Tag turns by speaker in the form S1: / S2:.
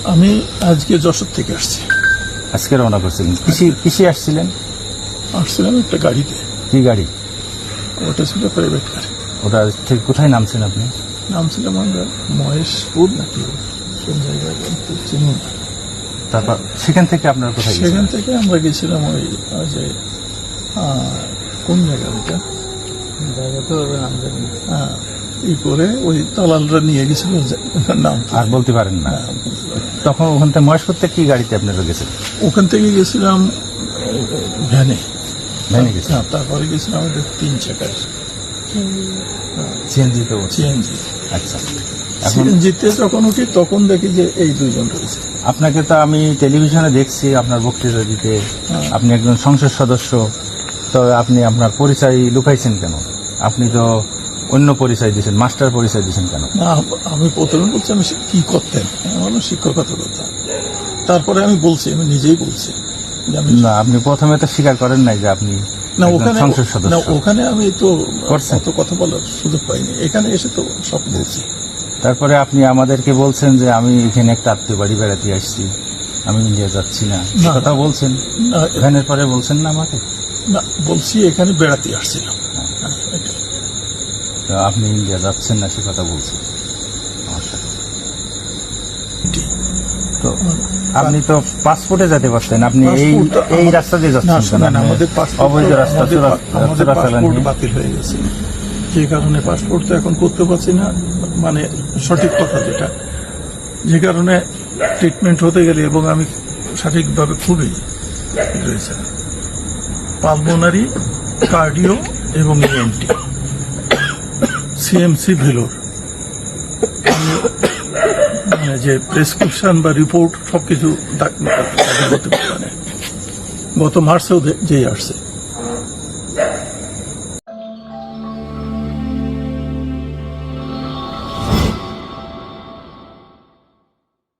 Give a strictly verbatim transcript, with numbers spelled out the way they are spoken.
S1: আমি আজকে যশোর থেকে আসছি।
S2: আজকে রওনা করছিলেন? কিসে কিসে আসছিলেন?
S1: আসছিলাম একটা গাড়িতে।
S2: কি গাড়ি?
S1: ওটা ছিল প্রাইভেট গাড়ি।
S2: ওটা ঠিক কোথায় নামছেন আপনি?
S1: নামছিলাম আমরা মহেশপুর নাকি কোন জায়গায় চিনি না।
S2: তারপর সেখান থেকে আপনার কোথায়
S1: সেখান
S2: গেছিলেন?
S1: থেকে আমরা গেছিলাম ওই ওই যে আহ, কোন জায়গা ওইটা জায়গা তো নাম জানি না। হ্যাঁ, ই করে ওই দালালরা নিয়ে গেছিল যে- নাম
S2: আর বলতে পারেন না?
S1: হ্যাঁ, বলতে পারি না।
S2: তখন ওখান থেকে মহেশপুর থেকে কি গাড়িতে আপনারা গেছেন?
S1: ওখান থেকে গেছিলাম ভ্যানে।
S2: ভ্যানে গেছেন?
S1: হ্যাঁ, তারপরে গেছিলাম আমাদের তিন চাকার
S2: সিএনজি তো?
S1: সিএনজি।
S2: আচ্ছা। এখন
S1: সিএনজিতে যখন উঠি তখন দেখি যে এই দুইজন রয়েছে।
S2: আপনাকে তো আমি টেলিভিশনে দেখছি আপনার বক্তৃতা দিতে,
S1: হ্যাঁ।
S2: আপনি একজন সংসদ সদস্য, তো আপনি আপনার পরিচয় লুকাইছেন কেন? আপনি তো অন্য পরিচয় দিয়েছেন, মাস্টার পরিচয় দিয়েছেন কেন?
S1: না, আমি প্রথমে বলছি আমি সে- কি করতেন, আমি বললাম শিক্ষকতা করতাম। তারপরে আমি বলছি, আমি নিজেই বলছি যে আমি
S2: না, আপনি প্রথমে তো স্বীকার করেন নাই যে আপনি
S1: না
S2: একজন
S1: ওখানে
S2: সংসদ
S1: না
S2: সদস্য।
S1: ওখানে আমি তো
S2: করছেন?
S1: অত কথা বলার সুযোগ পাইনি, এখানে এসে তো সব বলছি।
S2: তারপরে আপনি আমাদেরকে বলছেন যে আমি এখানে একটা আত্মীয় বাড়ি বেড়াতে আসছি, আমি ইন্ডিয়া যাচ্ছি না,
S1: না।
S2: কথা বলছেন।
S1: না,
S2: ভ্যানের পরে বলছেন না আমাকে?
S1: না বলছি এখানে বেড়াতে আসছিলাম। হ্যাঁ, এটাই।
S2: তো আপনি ইন্ডিয়া যাচ্ছেন না সে কথা বলছেন আমার সাথে। তো আপনি তো পাসপোর্টে যেতে পারতেন, আপনি এই
S1: পাসপোর্ট তো
S2: এই
S1: আমার-
S2: রাস্তা দিয়ে
S1: না
S2: যাচ্ছেন কেন?
S1: শোনেন,
S2: আপনি
S1: আমাদের পাসপোর্ট
S2: অবৈধ
S1: তো-
S2: রাস্তা
S1: আমাদের
S2: চোরা-
S1: পা- আমাদের
S2: চোরাচালান
S1: পাসপোর্ট
S2: নিয়ে।
S1: বাতিল হয়ে গেছে, যে কারণে পাসপোর্ট তো এখন করতে পারছি না, মানে সঠিক কথা যেটা, যে কারণে ট্রিটমেন্ট হতে গেলে, এবং আমি সঠিকভাবে খুবই রয়েছে পালমোনারি, কার্ডিও এবং ইএনটি, সিএমসি ভেলোর, আমি মানে যে প্রেসক্রিপশন বা রিপোর্ট সবকিছু দাখিল করতে পারি না। গত মার্চেও দে- যেই আসছে